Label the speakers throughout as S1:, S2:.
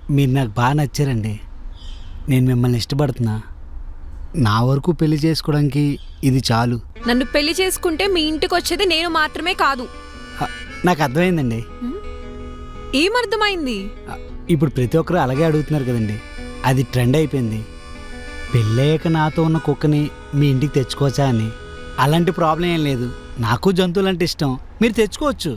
S1: మీరు నాకు బాగా నచ్చారండి. నేను మిమ్మల్ని ఇష్టపడుతున్నా. నా వరకు పెళ్లి చేసుకోవడానికి ఇది చాలు.
S2: నన్ను పెళ్లి చేసుకుంటే మీ ఇంటికి వచ్చేది నేను మాత్రమే కాదు.
S1: నాకు అర్థమైందండి.
S2: ఏమర్థమైంది?
S1: ఇప్పుడు ప్రతి ఒక్కరు అలాగే అడుగుతున్నారు కదండి. అది ట్రెండ్ అయిపోయింది. పెళ్ళయ్యాక నాతో ఉన్న కుక్కని మీ ఇంటికి తెచ్చుకోవచ్చా అని. అలాంటి ప్రాబ్లం ఏం లేదు. నాకు జంతువులు అంటే ఇష్టం. మీరు తెచ్చుకోవచ్చు.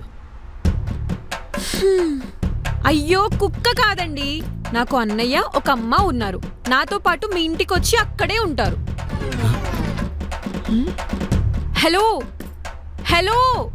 S2: అయ్యో, కుక్క కాదండి. నాకు అన్నయ్య ఒక అమ్మ ఉన్నారు. నాతో పాటు మీ ఇంటికి వచ్చి అక్కడే ఉంటారు. హలో హలో,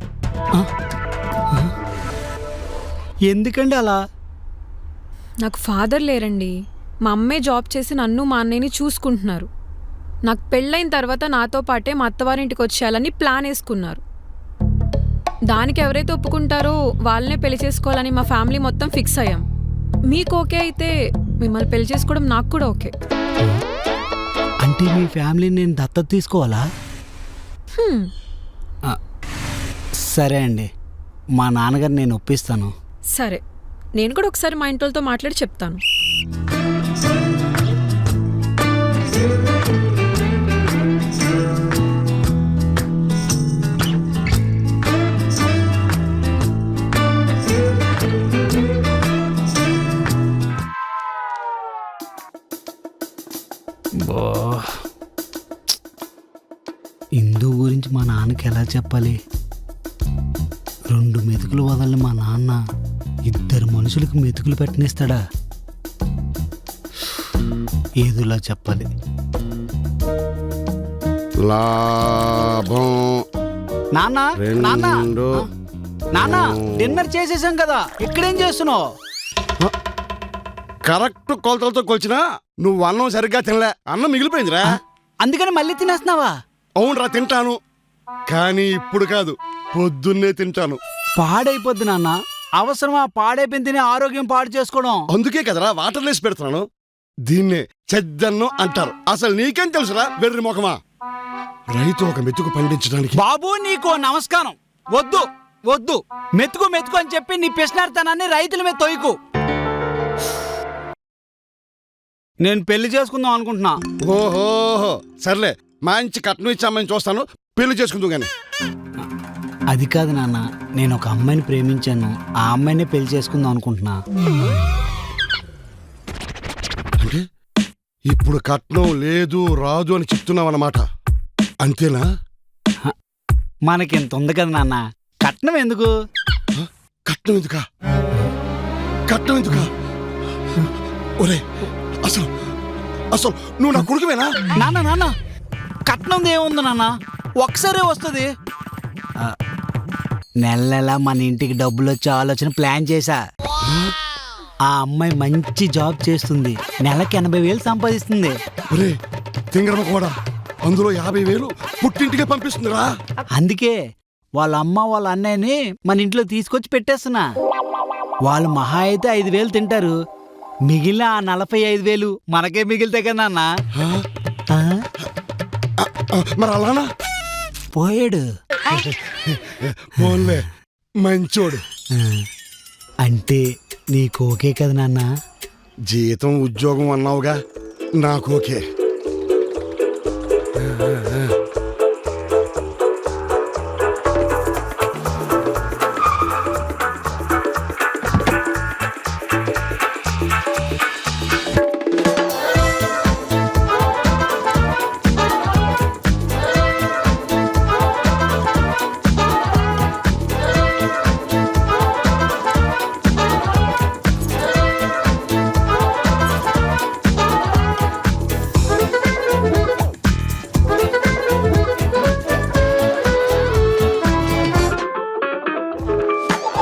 S1: ఎందుకండి అలా?
S2: నాకు ఫాదర్ లేరండి. మా అమ్మే జాబ్ చేసి నన్ను మా అన్నయ్యని చూసుకుంటున్నారు. నాకు పెళ్ళైన తర్వాత నాతో పాటే మా అత్తవారింటికి వచ్చేయాలని ప్లాన్ వేసుకున్నారు. దానికి ఎవరైతే ఒప్పుకుంటారో వాళ్ళనే పెళ్లి చేసుకోవాలని మా ఫ్యామిలీ మొత్తం ఫిక్స్ అయ్యాం. మీకు ఓకే అయితే మిమ్మల్ని పెళ్లి చేసుకోవడం నాకు కూడా ఓకే.
S1: అంటే మీ ఫ్యామిలీని నేను దత్తత తీసుకోవాలా? సరే అండి, మా నాన్నగారు నేను ఒప్పిస్తాను.
S2: సరే, నేను కూడా ఒకసారి మా ఇంట్లో మాట్లాడి చెప్తాను.
S1: ఇందు గురించి మా నాన్నకి ఎలా చెప్పాలి? 2 మెతుకులు వదలని మా నాన్న 2 మనుషులకు మెతుకులు పెట్టనిస్తాడా? ఏదోలా చెప్పాలి.
S3: లాభం.
S1: నాన్న నాన్న నాన్న, డిన్నర్ చేసేసాం కదా, ఇక్కడేం చేస్తున్నావు?
S3: కరెక్ట్ కొలతలతో కొలిచినా నువ్వు అన్నం సరిగ్గా తినలే. అన్నం మిగిలిపోయిందిరా.
S1: అందుకని మళ్ళీ తినేస్తున్నావా?
S3: అవునరా, తింటాను. కానీ ఇప్పుడు కాదు, పొద్దున్నే తింటాను.
S1: పాడైపోద్ది నాన్న. అవసరమా పాడైపోయింది తిని ఆరోగ్యం పాడు చేసుకోవడం?
S3: అందుకే కదరా వాటర్ లేసి పెడుతున్నాను. దీన్నే చెద్దన్నం అంటారు. అసలు నీకేం తెలుసురా వెర్రి ముఖమా? రైతు ఒక మెతుకు పండించడానికి.
S1: బాబు, నీకు నమస్కారం. వద్దు వద్దు, మెతుకు మెతుకు అని చెప్పి నీ పిసినార్తనాన్ని రైతుల మీద తొయ్యకు. నేను పెళ్లి చేసుకుందాం అనుకుంటున్నా.
S3: ఓహోహో, సర్లే, మంచి కట్నం ఇచ్చి అమ్మాయిని చూస్తాను, పెళ్లి చేసుకుందాం గాని.
S1: అది కాదు నాన్న, నేను ఒక అమ్మాయిని ప్రేమించాను. ఆ అమ్మాయినే పెళ్లి చేసుకుందాం అనుకుంటున్నా.
S3: అంటే ఇప్పుడు కట్నం లేదు రాదు అని చెప్తున్నావు అన్నమాట, అంతేనా?
S1: మనకింత ఉంది కదా నాన్న, కట్నం ఎందుకు?
S3: కట్నం ఎందుకా? కట్నం ఎందుకా? ఒరే, అసలు అసలు నువ్వు నా కొడుకువేనా?
S1: నాన్న నాన్న, కట్నం ఏముంది నాన్న, ఒకసారే వస్తుంది. నెల నెల మన ఇంటికి డబ్బులు వచ్చే ఆలోచన ప్లాన్ చేశా. ఆ అమ్మాయి మంచి జాబ్ చేస్తుంది, నెలకి 80,000 సంపాదిస్తుంది.
S3: ఒరే తింగరమ కూడా, అందులో 50,000 పుట్టింటికే పంపిస్తుందిరా.
S1: అందుకే వాళ్ళ అమ్మ వాళ్ళ అన్నయ్యని మన ఇంట్లో తీసుకొచ్చి పెట్టేస్తున్నా. వాళ్ళు మహా అయితే 5,000 తింటారు. మిగిలిన ఆ 45,000 మనకే మిగిలితే కదా నాన్న.
S3: మరి అలానా?
S1: పోయాడు.
S3: పోన్లే, మంచోడు.
S1: అంటే నీకు ఓకే కదా నాన్న?
S3: జీతం ఉద్యోగం అన్నావుగా, నాకు ఓకే.